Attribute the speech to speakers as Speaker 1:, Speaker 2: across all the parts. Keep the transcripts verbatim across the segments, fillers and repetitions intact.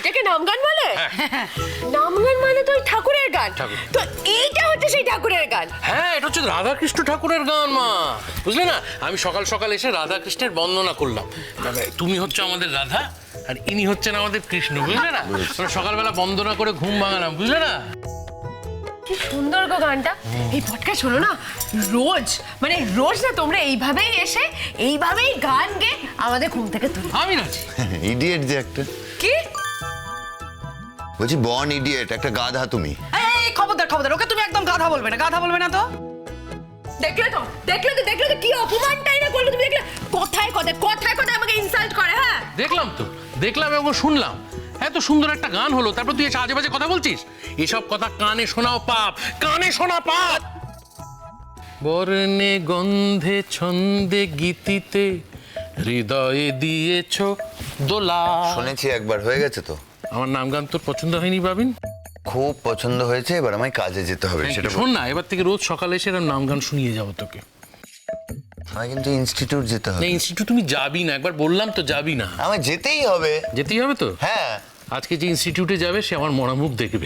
Speaker 1: এটাকে নামগান বলে? নামগান মানে তো ওই ঠাকুরের গান। তো এইটা হচ্ছে সেই ঠাকুরের গান।
Speaker 2: হ্যাঁ, এটা হচ্ছে রাধাকৃষ্ণ ঠাকুরের গান মা, বুঝলে না? আমি সকাল সকাল এসে রাধাকৃষ্ণের বন্দনা করলাম। তুমি হচ্ছে আমাদের রাধা আর ইনি হচ্ছেন আমাদের কৃষ্ণ, বুঝলে না? আমরা সকালবেলা বন্দনা করে ঘুম ভাঙালাম, বুঝলে না?
Speaker 1: কি সুন্দর গো গানটা। এই পডকাস্ট শোনো না রোজ, মানে রোজ না তোমরা এইভাবেই এসে এইভাবেই গান গেয়ে আমাদের ঘুম থেকে তুলো।
Speaker 2: আমি নাচি।
Speaker 3: ইডিয়েট যে একটা।
Speaker 1: কি
Speaker 3: বলছি বর্ন ইডিয়েট, একটা গাধা তুমি।
Speaker 4: এই খবরদার খবরদার, ওকে তুমি একদম গাধা বলবে না, গাধা বলবে না তো।
Speaker 1: দেখলে তো দেখলে তো দেখলে তো কি অপমানটাই না করলো তুমি। দেখলে কথায় কথায় কথায় কথায় আমাকে ইনসাল্ট করে। হ্যাঁ
Speaker 2: দেখলাম তো, দেখলাম এবং শুনলাম। এত সুন্দর একটা গান হলো, তারপর তুই এসে আজে বাজে কথা বলছিস। এসব কথা কানে শোনাও পাপ, কানে শোনা পাপ। বর্ণে গন্ধে ছন্দে গীতিতে হৃদয়ে দিয়েছ দোলা।
Speaker 3: শুনেছি একবার, হয়ে গেছে তো।
Speaker 2: আমার নাম গান তোর পছন্দ হয়নি বাবিন?
Speaker 3: খুব পছন্দ হয়েছে, এবার আমায় কাজে যেতে হবে। সেটা
Speaker 2: শোন না, এবার থেকে রোজ সকালে এসে এরকম নাম গান শুনিয়ে যাবো তোকে।
Speaker 3: আমায় কিন্তু ইনস্টিটিউট যেতে হবে।
Speaker 2: না, ইনস্টিটিউট তুমি যাবি না, একবার বললাম তো যাবি না।
Speaker 3: আমায় যেতেই হবে।
Speaker 2: যেতেই হবে তো?
Speaker 3: হ্যাঁ।
Speaker 2: আজকে যে ইনস্টিটিউটে যাবে সে আমার মরা মুখ দেখবে।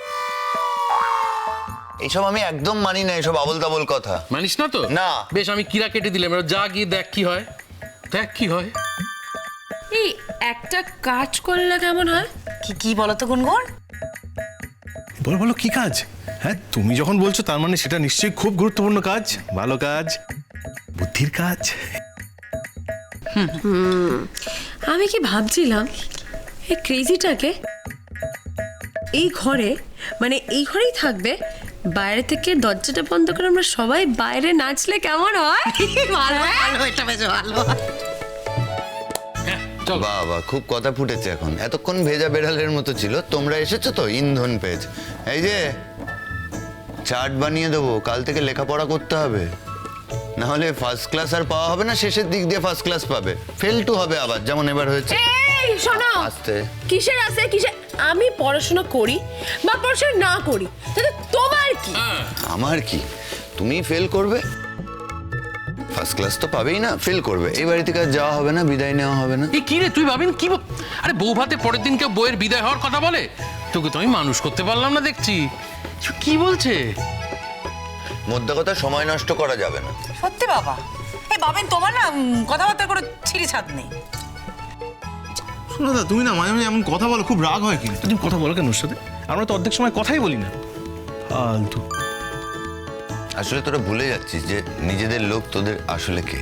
Speaker 3: এইসব আমি একদম মানি না, এসব আবল তাবল কথা।
Speaker 2: মানিস না তো?
Speaker 3: না।
Speaker 2: বেশ, আমি কিরা কেটে দিলাম, এবার যা গিয়ে দেখ কি হয়, দেখ কি হয়।
Speaker 1: এই একটা কাজ করলে কেমন হয়?
Speaker 4: কি কি বলো তো গুনগুন?
Speaker 5: বলো বলো কি কাজ? হ্যাঁ, তুমি যখন বলছো তার মানে সেটা নিশ্চয়ই খুব গুরুত্বপূর্ণ কাজ, ভালো কাজ, বুদ্ধির কাজ।
Speaker 1: আমি কি ভাবছিলাম এই ক্রেজিটাকে এই ঘরে, মানে এই ঘরেই থাকবে, বাইরে থেকে দরজাটা বন্ধ করে আমরা সবাই বাইরে নাচলে কেমন হয়?
Speaker 4: ভালো ভালো, এটা বেশ ভালো।
Speaker 2: চল।
Speaker 3: বাবা, খুব কথা ফুটেছে এখন। এতক্ষণ ভেজা বেড়ালের মতো ছিল, তোমরা এসেছো তো ইন্ধন পেয়েছে। এই যে চার্ট বানিয়ে দেবো, কাল থেকে লেখাপড়া করতে হবে, না হলে ফার্স্ট ক্লাস আর পাওয়া হবে না। শেষের দিক দিয়ে ফার্স্ট ক্লাস পাবে, ফেল টু হবে আবার, যেমন এবার হয়েছে।
Speaker 1: এই শোনো,
Speaker 3: আস্তে।
Speaker 1: কিসের আছে কিসের? আমি পড়াশোনা করি বা পড়াশোনা না করি তাতে তোমার কি?
Speaker 3: আমার কি? তুমি ফেল করবে, ফার্স্ট ক্লাস তো পাবেই না, ফেল করবে। এই বাড়ি থেকে আর যাওয়া হবে না, বিদায় নেওয়া হবে না।
Speaker 2: এই কি রে তুই ভাবিন কি বল- আরে বউ ভাতে পরের দিন কেউ বউয়ের বিদায় হওয়ার কথা বলে? তোকে তো আমি মানুষ করতে পারলাম না দেখছি। কি বলছে?
Speaker 3: মোদ্দা কথা, সময় নষ্ট করা যাবে না।
Speaker 4: সত্যি বাবা, এই বাবেন তোমার না উম, কথাবার্তা করে ছিঁড়ি ছাদ নেই।
Speaker 5: শোনো দা, তুমি না মাঝে মাঝে এমন কথা বলো, খুব রাগ হয় কিন্তু। তুমি কথা বলো কেন ওর সাথে? আমরা তো অর্ধেক সময় কথাই বলি না। ফালতু।
Speaker 3: আসলে তোরা ভুলে যাচ্ছিস যে নিজেদের লোক তোদের আসলে কে।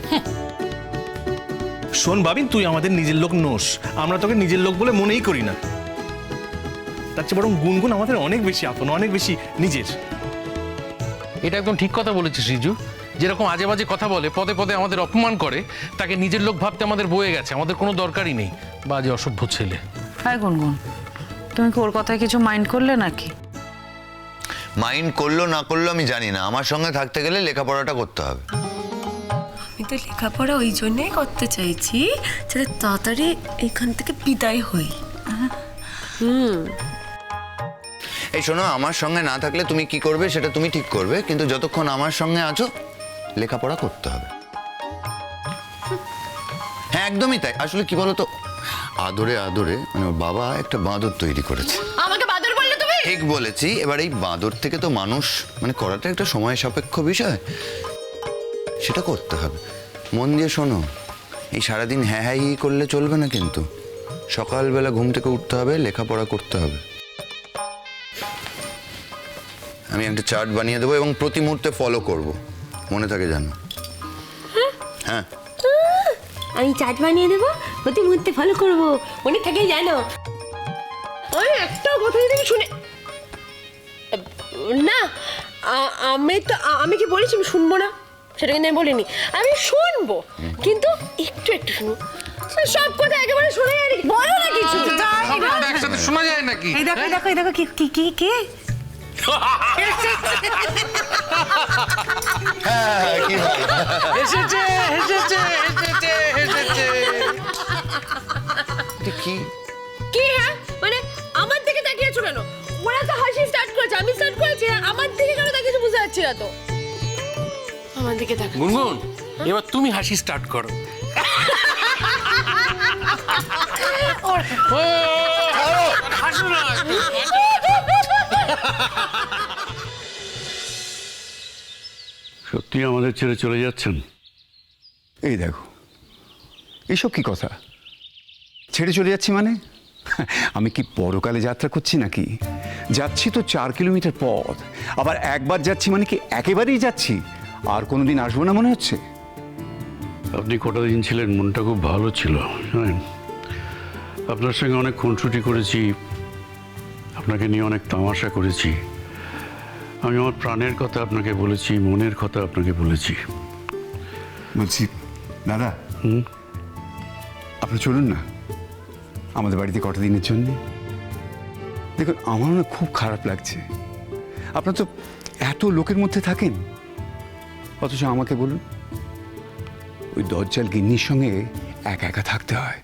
Speaker 5: শোন বাবিন, তুই আমাদের নিজের লোক নোস, আমরা তোকে নিজের লোক বলে মনেই করি না। তার চেয়ে বরং গুনগুন আমাদের অনেক বেশি আপন, অনেক বেশি নিজের।
Speaker 2: এটা একদম ঠিক কথা বলেছিস রিজু। যেরকম আজে বাজে কথা বলে, পদে পদে আমাদের অপমান করে, তাকে নিজের লোক ভাবতে আমাদের বয়ে গেছে। আমাদের কোনো দরকারই নেই বাজে অসভ্য ছেলে।
Speaker 4: হ্যাঁ গুনগুন, তুমি কি ওর কথায় কিছু মাইন্ড করলে নাকি?
Speaker 3: মাইন্ড করলো না করলো আমি জানি না, আমার সঙ্গে থাকতে গেলে লেখাপড়াটা করতে হবে।
Speaker 1: আমি তো লেখাপড়া ওই জন্যই করতে চাইছি যাতে তাড়াতাড়ি এখান থেকে বিদায় হই। হুম
Speaker 3: এই শোনো, আমার সঙ্গে না থাকলে তুমি কি করবে সেটা তুমি ঠিক করবে, কিন্তু যতক্ষণ আমার সঙ্গে আছো লেখাপড়া করতে হবে। হ্যাঁ একদমই তাই। আসলে কি বলতো, আদরে আদরে মানে ওর বাবা একটা বাঁদর তৈরি করেছে।
Speaker 1: আমাকে বাদর বললে তুমি?
Speaker 3: ঠিক বলেছি। এবার এই বাঁদর থেকে তো মানুষ মানে করাটা একটা সময় সাপেক্ষ বিষয়, সেটা করতে হবে। মন দিয়ে শোনো, এই সারাদিন হ্যাঁ হ্যাঁ ই করলে চলবে না, কিন্তু সকালবেলা ঘুম থেকে উঠতে হবে, লেখাপড়া করতে হবে। আমি একটা চার্ট বানিয়ে দেবো এবং প্রতি মুহূর্তে ফলো করব, মনে থাকে জানো? হ্যাঁ,
Speaker 1: আমি চাট বানিয়ে দেবো, প্রতি মুহূর্তে ফলো করবো, মনে থাকে জানো? ওই একটা কথা যদি আমি শুনে না, আ- আমি তো আ- আমি কি বলেছি আমি শুনবো না? সেটা কিন্তু আমি বলিনি। আমি শুনবো, কিন্তু একটু একটু শুনবো। সব কথা একেবারে শোনা যায় নাকি? বলো না কিছু।
Speaker 2: সব কথা একসাথে শোনা যায় নাকি?
Speaker 4: এই দেখো এই দেখো এই দেখো কি কি কি কি
Speaker 3: হ্যাঁ, কি ভালো।
Speaker 2: এসেছে এসেছে এসেছে এসেছে।
Speaker 3: এটা কি?
Speaker 1: কি? হ্যাঁ মানে আমার দিকে তাকিয়েছো কেন? ওরা তো হাসি স্টার্ট করেছে, আমি স্টার্ট করেছি, আর আমার দিকে কেন তাকিয়েছো বুঝতে পারছি না তো। আমার দিকে তাকাও।
Speaker 2: গুনগুন, এবার তুমি হাসি স্টার্ট করো। ও
Speaker 6: সত্যি আমাদের ছেড়ে চলে যাচ্ছেন?
Speaker 7: এই দেখো, এইসব কি কথা? ছেড়ে চলে যাচ্ছি মানে? আমি কি পরকালে যাত্রা করছি নাকি? যাচ্ছি তো চার কিলোমিটার পথ, আবার একবার যাচ্ছি মানে কি একেবারেই যাচ্ছি? আর কোনোদিন আসবো না মনে হচ্ছে?
Speaker 6: আপনি কটা দিন ছিলেন, মনটা খুব ভালো ছিল জানেন। আপনার সঙ্গে অনেক খুনসুটি করেছি, আপনাকে নিয়ে অনেক তামাশা করেছি। আমি আমার প্রাণের কথা আপনাকে বলেছি, মনের কথা আপনাকে বলেছি।
Speaker 7: বলছি দাদা, আপনি চলুন না আমাদের বাড়িতে কটা দিনের জন্য। দেখুন, আমার না খুব খারাপ লাগছে। আপনার তো এত লোকের মধ্যে থাকেন, অথচ আমাকে বলুন ওই দজ্জাল গিন্নির সঙ্গে একা একা থাকতে হয়।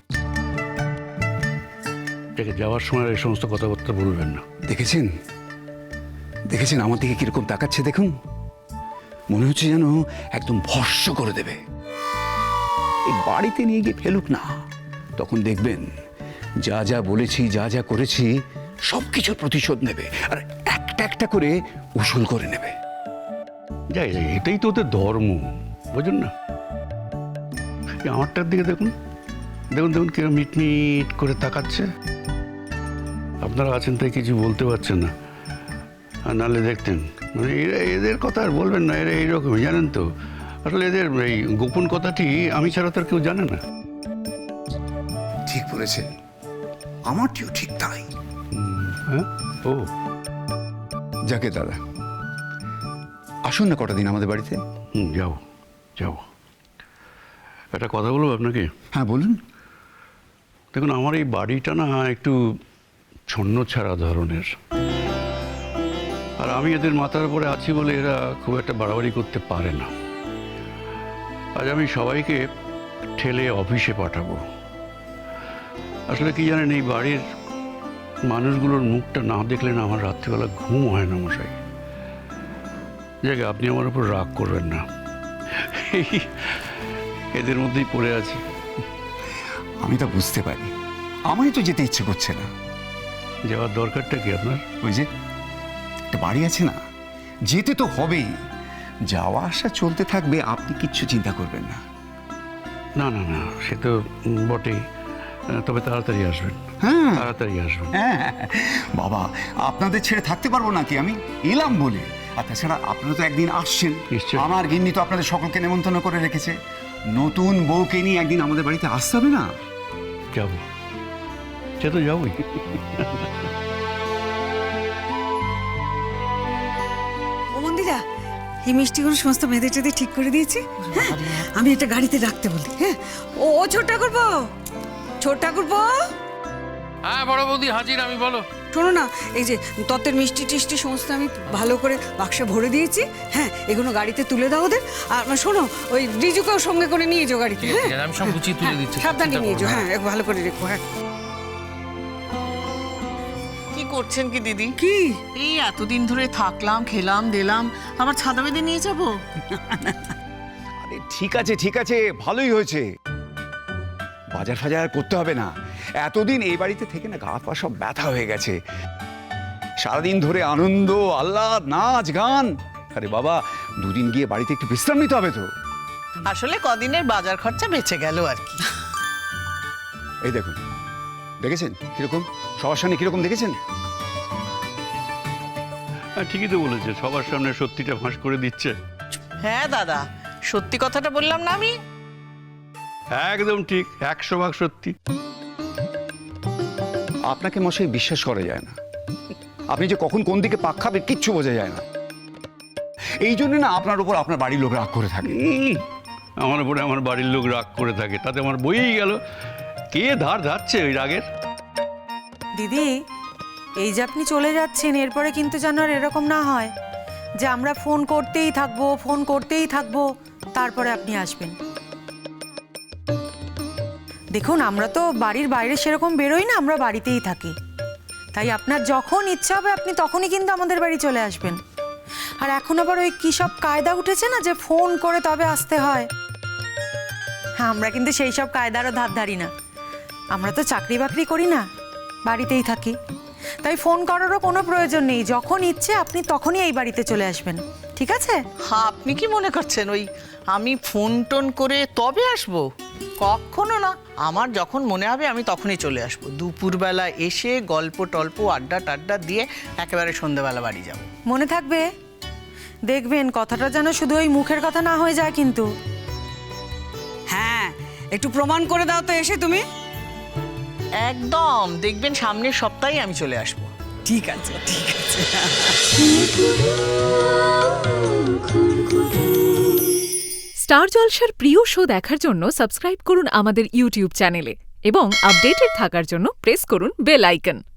Speaker 6: দেখে যাওয়ার সময় এই সমস্ত কথাবার্তা বলবেন না।
Speaker 7: দেখেছেন দেখেছেন আমার দিকে কিরকম তাকাচ্ছে দেখুন। মনে হচ্ছে যেন একদম ভস্ম করে দেবে। এই বাড়িতে নিয়ে গিয়ে ফেলুক না, তখন দেখবেন যা যা বলেছি, যা যা করেছি সব কিছুর প্রতিশোধ নেবে, আর একটা একটা করে উসুল করে নেবে।
Speaker 6: যাই যাই, এটাই তো ওদের ধর্ম, বুঝুন না। এই আমারটার দিকে দেখুন, দেখুন দেখুন কিরকম মিটমিট করে তাকাচ্ছে। আপনারা আছেন তাই কিছু বলতে পারছেন না, আর নাহলে দেখতেন মানে এরা, এদের কথা আর বলবেন না, এরা এইরকমই জানেন তো। আসলে এদের এই গোপন কথাটি আমি ছাড়া তার কেউ জানে না।
Speaker 7: ঠিক বলেছেন, আমারটিও ঠিক তাই।
Speaker 6: হ্যাঁ, ও
Speaker 7: যাকে দাদা, আসুন না কটা দিন আমাদের বাড়িতে।
Speaker 6: হুম, যাও যাও। একটা কথা বলবো আপনাকে।
Speaker 7: হ্যাঁ বলুন।
Speaker 6: দেখুন, আমার এই বাড়িটা না একটু ছন্ন ছাড়া ধরনের, আর আমি এদের মাথার উপরে আছি বলে এরা খুব একটা বাড়াবাড়ি করতে পারে না। আজ আমি সবাইকে ঠেলে অফিসে পাঠাবো। আসলে কি জানেন, এই বাড়ির মানুষগুলোর মুখটা না দেখলে না আমার রাত্রিবেলা ঘুম হয় না মশাই। জায়গা, আপনি আমার উপর রাগ করবেন না, এই এদের মধ্যেই পড়ে আছি।
Speaker 7: আমি তা বুঝতে পারি, আমারই তো যেতে ইচ্ছে করছে না।
Speaker 6: যাওয়ার দরকারটা কি আপনার?
Speaker 7: ওই যে একটা বাড়ি আছে না, যেতে তো হবেই। যাওয়া আসা চলতে থাকবে, আপনি কিচ্ছু চিন্তা করবেন না।
Speaker 6: না না না, সে তো বটেই, তবে তাড়াতাড়ি আসবেন।
Speaker 7: হ্যাঁ
Speaker 6: তাড়াতাড়ি আসবেন।
Speaker 7: হ্যাঁ বাবা, আপনাদের ছেড়ে থাকতে পারবো নাকি? আমি এলাম বলে। আর তাছাড়া আপনারা তো একদিন আসছেন,
Speaker 6: নিশ্চয়ই।
Speaker 7: আমার গিন্নি তো আপনাদের সকলকে নেমন্তন্ন করে রেখেছে। নতুন বউকে নিয়ে একদিন আমাদের বাড়িতে আসতে হবে না?
Speaker 6: যাবো, সে তো যাবোই।
Speaker 8: ও মন্দিরা, এই মিষ্টিগুলো সমস্ত মেয়েদের টেঁদে ঠিক করে দিয়েছি। হ্যাঁ, আমি এটা গাড়িতে রাখতে বলি। হ্যাঁ, ও ও ছোট ঠাকুরপো, ছোট ঠাকুরপো,
Speaker 2: হ্যাঁ বড় বৌদি হাজির আমি, বলো।
Speaker 8: শোনো না, এই যে তত্ত্বের মিষ্টি টিষ্টি সমস্ত আমি ভালো করে বাক্সে ভরে দিয়েছি। হ্যাঁ, এগুলো গাড়িতে তুলে দাও ওদের। আর শোনো, ওই রিজুকেও সঙ্গে করে নিয়ে যাও গাড়িতে। হ্যাঁ,
Speaker 2: আমি সব গুছিয়ে তুলে দিচ্ছি,
Speaker 8: সাবধানে
Speaker 2: চিন্তা
Speaker 8: নিয়ে
Speaker 2: করো
Speaker 8: যাও।
Speaker 2: না।
Speaker 8: হ্যাঁ, একটু ভালো করে রেখো। হ্যাঁ।
Speaker 4: কি করছেন কি দিদি?
Speaker 8: কি?
Speaker 4: এই এতদিন ধরে থাকলাম, খেলাম, দিলাম, আবার ছাদা বেঁধে নিয়ে যাবো?
Speaker 7: আরে ঠিক আছে ঠিক আছে, ভালোই হয়েছে। বাজার ফাজার আর করতে হবে না। এতদিন এই বাড়িতে থেকে না গা পা সব ব্যথা হয়ে গেছে। সারাদিন ধরে আনন্দ আহ্লাদ, নাচ গান। আরে বাবা, দুদিন গিয়ে বাড়িতে একটু বিশ্রাম নিতে হবে তো।
Speaker 4: আসলে কদিনের বাজার খরচা বেঁচে গেল আর কি।
Speaker 7: এই দেখুন, দেখেছেন কিরকম সবার সামনে কিরকম দেখেছেন?
Speaker 6: হ্যাঁ, ঠিকই তো বলেছে, সবার সামনে সত্যিটা ফাঁস করে দিচ্ছে।
Speaker 4: হ্যাঁ দাদা, সত্যি কথাটা বললাম না আমি?
Speaker 6: একদম ঠিক, একশো ভাগ সত্যি।
Speaker 7: আপনাকে মশাই বিশ্বাস করা যায় না। আপনি যে কখন কোন দিকে পাক খাবে কিচ্ছু বোঝা যায় না। এই জন্য না আপনার উপর আপনার বাড়ির লোক রাগ করে থাকে।
Speaker 6: উম, আমার উপরে আমার বাড়ির লোক রাগ করে থাকে, তাতে আমার বইই গেল। কে ধার ধারছে ওই রাগের?
Speaker 9: দিদি, এই যে আপনি চলে যাচ্ছেন, এরপরে কিন্তু যেন আর এরকম না হয় যে আমরা ফোন করতেই থাকবো, ফোন করতেই থাকবো, তারপরে আপনি আসবেন। দেখুন, আমরা তো বাড়ির বাইরে সেরকম বেরোই না, আমরা বাড়িতেই থাকি। তাই আপনার যখন ইচ্ছা হবে আপনি তখনই কিন্তু আমাদের বাড়ি চলে আসবেন। আর এখন আবার ওই কী সব কায়দা উঠেছে না, যে ফোন করে তবে আসতে হয়। হ্যাঁ, আমরা কিন্তু সেই সব কায়দারও ধার ধারি না। আমরা তো চাকরি বাকরি করি না, বাড়িতেই থাকি। তাই ফোন করারও কোনো প্রয়োজন নেই, যখন ইচ্ছে আপনি তখনই এই বাড়িতে চলে আসবেন, ঠিক আছে?
Speaker 4: হ্যাঁ, আপনি কি মনে করছেন ওই আমি ফোন টোন করে তবে আসবো? কখনো না। আমার যখন মনে হবে আমি তখনই চলে আসবো। দুপুরবেলা এসে গল্প টল্প আড্ডা টাড্ডা দিয়ে একেবারে সন্ধ্যেবেলা বাড়ি যাব।
Speaker 9: মনে থাকবে, দেখবেন কথাটা যেন শুধু ওই মুখের কথা না হয়ে যায় কিন্তু।
Speaker 8: হ্যাঁ, একটু প্রমাণ করে দাও তো এসে তুমি।
Speaker 4: একদম, দেখবেন সামনের সপ্তাহে আমি চলে আসবো।
Speaker 8: ঠিক আছে, ঠিক আছে।
Speaker 10: স্টার জলসার প্রিয় শো দেখার জন্য সাবস্ক্রাইব করুন আমাদের ইউটিউব চ্যানেলে এবং আপডেটেড থাকার জন্য প্রেস করুন বেল আইকন।